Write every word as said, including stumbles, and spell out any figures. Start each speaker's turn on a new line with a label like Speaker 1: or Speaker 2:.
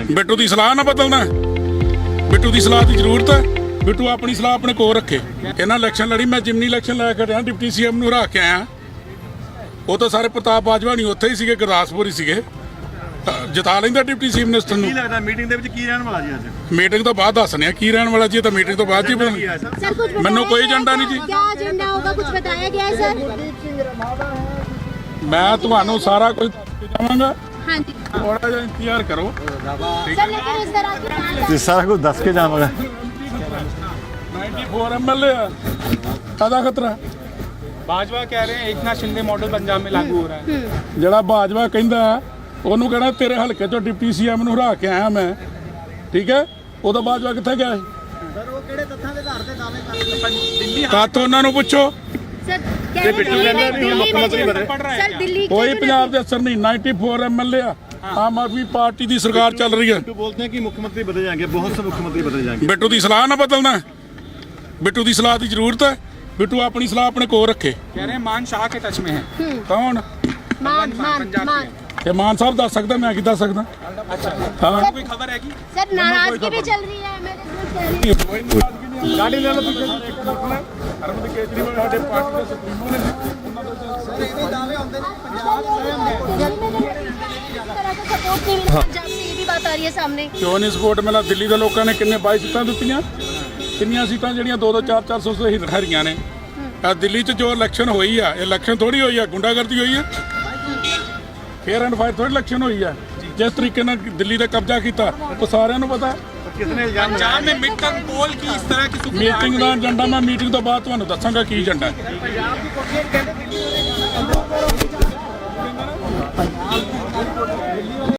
Speaker 1: जाएंगे।
Speaker 2: ਬਿੱਟੂ ਦੀ ਸਲਾਹ ਨਾ ਬਦਲਣਾ। ਬਿੱਟੂ ਦੀ ਸਲਾਹ ਦੀ ਜ਼ਰੂਰਤ ਹੈ। ਬਿੱਟੂ ਆਪਣੀ ਸਲਾਹ ਆਪਣੇ ਕੋਲ ਰੱਖੇ। ਇਹਨਾਂ ਇਲੈਕਸ਼ਨ ਲੜੀ, ਮੈਂ ਜਿਮਨੀ ਇਲੈਕਸ਼ਨ ਲੈ ਕੇ ਰਿਹਾ, ਡਿਪਟੀ ਸੀਐਮ ਨੂੰ ਹਰਾ ਕੇ ਆਇਆ। ਉਹ ਤਾਂ ਸਾਰੇ ਪ੍ਰਤਾਪ ਬਾਜਵਾ ਨਹੀਂ ਉੱਥੇ ਹੀ ਸੀਗੇ, ਗੁਰਦਾਸਪੁਰ ਹੀ ਸੀਗੇ। ਜਿਤਾ ਲੈਂਦਾ ਡਿਪਟੀ ਚੀਫ ਮਿਨਿਸਟਰ ਨੂੰ।
Speaker 1: ਕੀ ਲੱਗਦਾ ਮੀਟਿੰਗ ਦੇ ਵਿੱਚ ਕੀ ਰਹਿਣ ਵਾਲਾ ਜੀ ਅੱਜ?
Speaker 2: ਮੀਟਿੰਗ ਤੋਂ ਬਾਅਦ ਦੱਸਣੇ ਆ ਕੀ ਰਹਿਣ ਵਾਲਾ ਜੀ। ਇਹ ਤਾਂ ਮੀਟਿੰਗ ਤੋਂ ਬਾਅਦ ਜੀ
Speaker 1: ਕੀ ਹੈ ਸਰ?
Speaker 3: सर कुछ
Speaker 2: ਮੈਨੂੰ
Speaker 3: बताया
Speaker 2: ਕੋਈ
Speaker 3: गया
Speaker 2: ਏਜੰਡਾ
Speaker 3: है
Speaker 2: नहीं जी।
Speaker 3: क्या एजेंडा होगा, कुछ बताया गया है सर?
Speaker 2: ਮੈਂ ਤੁਹਾਨੂੰ ਸਾਰਾ ਕੁਝ ਦੱਸ ਕੇ ਜਾਵਾਂਗਾ।
Speaker 3: हाँ जी
Speaker 2: ਥੋੜਾ ਜਿਹਾ ਇੰਤਜ਼ਾਰ ਕਰੋ।
Speaker 3: सर, लेकिन इस तरह की बात-
Speaker 1: ਤੇ ਸਾਰਾ ਕੁਝ ਦੱਸ ਕੇ ਜਾਵਾਂਗਾ।
Speaker 2: चौरानवे एमएलए ਆ, ਕਾਹਦਾ ਖਤਰਾ?
Speaker 4: भाजपा कह रहे हैं एक नाथ शिंदे मॉडल पंजाब में लागू हो रहा है।
Speaker 2: ਜਿਹੜਾ ਬਾਜਵਾ ਕਹਿੰਦਾ ਉਹਨੂੰ ਕਹਿਣਾ ਤੇਰੇ ਹਲਕੇ ਚੋਂ ਡਿਪਟੀ ਸੀਐਮ ਨੂੰ ਹਰਾ ਕੇ ਆਇਆ ਮੈਂ, ਠੀਕ ਹੈ? ਉਦੋਂ ਬਾਜਵਾ ਕਿੱਥੇ ਗਿਆ ਸੀ?
Speaker 5: ਸਰ ਉਹ ਕਿਹੜੇ ਤੱਥਾਂ ਦੇ ਆਧਾਰ ਤੇ ਦਾਅਵੇ ਕਰਦੇ
Speaker 4: दिल्ली
Speaker 2: ਕਾਤ ਉਹਨਾਂ ਨੂੰ ਪੁੱਛੋ।
Speaker 3: सर कह रहे दिल्ली में दिल्ली में जो-
Speaker 4: पड़ रहा है
Speaker 3: सर दिल्ली के
Speaker 2: ਕੋਈ
Speaker 3: जो-
Speaker 2: ਪੰਜਾਬ ਦੇ ਅਸਰ ਨਹੀਂ। चौरानवे एमएलए ਆ, ਆਮ ਆਦਮੀ ਪਾਰਟੀ ਦੀ ਸਰਕਾਰ ਚੱਲ ਰਹੀ ਹੈ।
Speaker 1: तो बोलते हैं कि मुख्यमंत्री बदले जाएंगे, बहुत से मुख्यमंत्री बदले जाएंगे।
Speaker 2: ਬਿੱਟੂ ਦੀ ਸਲਾਹ ਨਾ ਬਦਲਣਾ। ਬਿੱਟੂ ਦੀ ਸਲਾਹ ਦੀ ਜ਼ਰੂਰਤ ਹੈ। ਬਿੱਟੂ ਆਪਣੀ ਸਲਾਹ ਆਪਣੇ ਕੋਲ ਰੱਖੇ।
Speaker 4: कह रहे हैं मान शाह के टच में है।
Speaker 2: ਕੌਣ?
Speaker 3: मान मान मान
Speaker 2: ਇਹ ਮਾਨ ਸਾਹਿਬ ਦੱਸ ਸਕਦਾ, ਮੈਂ ਕੀ ਦੱਸ ਸਕਦਾ?
Speaker 4: अच्छा
Speaker 2: ਹਾਂ
Speaker 4: कोई खबर है कि
Speaker 3: सर नाराजगी भी चल रही है मेरे साथ कह रही है।
Speaker 2: ਗਾੜੀ ਲੈ ਲਓ ਪਿੱਛੇ ਅਰਵਿੰਦ ਕੇਜਰੀਵਾਲ ਸਾਡੇ ਪਾਰਟੀ ਦੇ ਸੁਪਰੀਮੋ ਨੇ।
Speaker 5: ਇਹ ਦਾਅਵੇ ਹੁੰਦੇ ਨੇ ਪੰਜਾਬ
Speaker 3: इस तरह का सपोर्ट नहीं मिला पंजाब से, ये भी बात आ रही है सामने।
Speaker 2: ਕਿਉਂ ਨਹੀਂ ਸਪੋਰਟ ਮਿਲਾ? ਦਿੱਲੀ ਦੇ ਲੋਕਾਂ ਨੇ ਕਿੰਨੇ ਬਾਈ ਸੀਟਾਂ ਦਿੱਤੀਆਂ? ਕਿੰਨੀਆਂ ਸੀਟਾਂ ਜਿਹੜੀਆਂ ਦੋ ਦੋ ਚਾਰ ਚਾਰ ਸੌ ਸੇ ਹਰੀਆਂ ਨੇ? ਆ ਦਿੱਲੀ 'ਚ ਜੋ ਇਲੈਕਸ਼ਨ ਹੋਈ ਆ, ਇਲੈਕਸ਼ਨ ਥੋੜੀ ਹੋਈ ਆ, ਗੁੰਡਾਗਰਦੀ ਹੋਈ ਆ। ਫੇਅਰ ਐਂਡ ਫਾਇਰ ਥੋੜੀ ਇਲੈਕਸ਼ਨ ਹੋਈ ਆ। ਜਿਸ ਤਰੀਕੇ ਨਾਲ ਦਿੱਲੀ ਤੇ ਕਬਜ਼ਾ ਕੀਤਾ ਉਹ ਸਾਰਿਆਂ ਨੂੰ ਪਤਾ।
Speaker 1: कितने इल्जाम
Speaker 4: पंजाब में मिड टर्म पोल की इस तरह की
Speaker 2: ਮੀਟਿੰਗ ਦਾ ਏਜੰਡਾ ਮੈਂ ਮੀਟਿੰਗ ਤੋਂ ਬਾਅਦ ਤੁਹਾਨੂੰ ਦੱਸਾਂਗਾ ਕੀ ਏਜੰਡਾ ਹੈ।